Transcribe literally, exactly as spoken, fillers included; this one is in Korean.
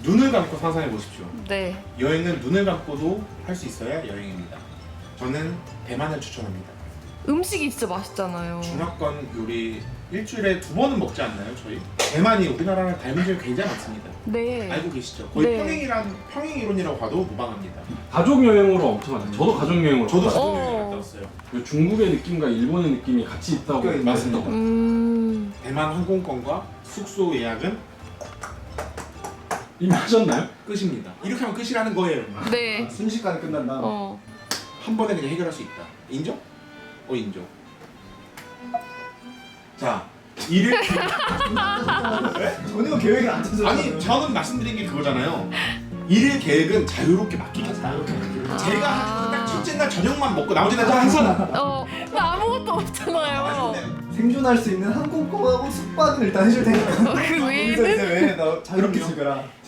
눈을 감고 상상해 보십시오. 네. 여행은 눈을 감고도 할 수 있어야 여행입니다. 저는 대만을 추천합니다. 음식이 진짜 맛있잖아요. 중화권 요리 일주일에 두 번은 먹지 않나요, 저희? 대만이 우리나라랑 닮은 점이 굉장히 많습니다. 네. 알고 계시죠? 거의 네. 평행이란 평행 이론이라고 봐도 무방합니다. 가족 여행으로 엄청 하죠. 저도 가족 여행으로. 저도 갔어요. 가족 여행 어. 갔다 왔어요. 그 중국의 느낌과 일본의 느낌이 같이 있다고. 네, 맞습니다. 음. 대만 항공권과 숙소 예약은 이미 하셨나요? 끝입니다. 이렇게 하면 끝이라는 거예요. 네. 순식간에 끝난다. 어. 한 번에 그냥 해결할 수 있다. 인정? 어 인정. 자, 일일 전혀 계획이 안 짜져. 아니 저는 말씀드린 게 그거잖아요. 일일 계획은 자유롭게 맡기겠다. 제가 아. 딱 첫째 날 저녁만 먹고 나머지 날 항상 어. 나 아무것도 없잖아요. 생존할 수 있는 항공권하고 숙박은 일단 해줄 테니까. 어, 그 거기서 외에는 이제 왜 너 자유롭게 그럼요. 즐겨라.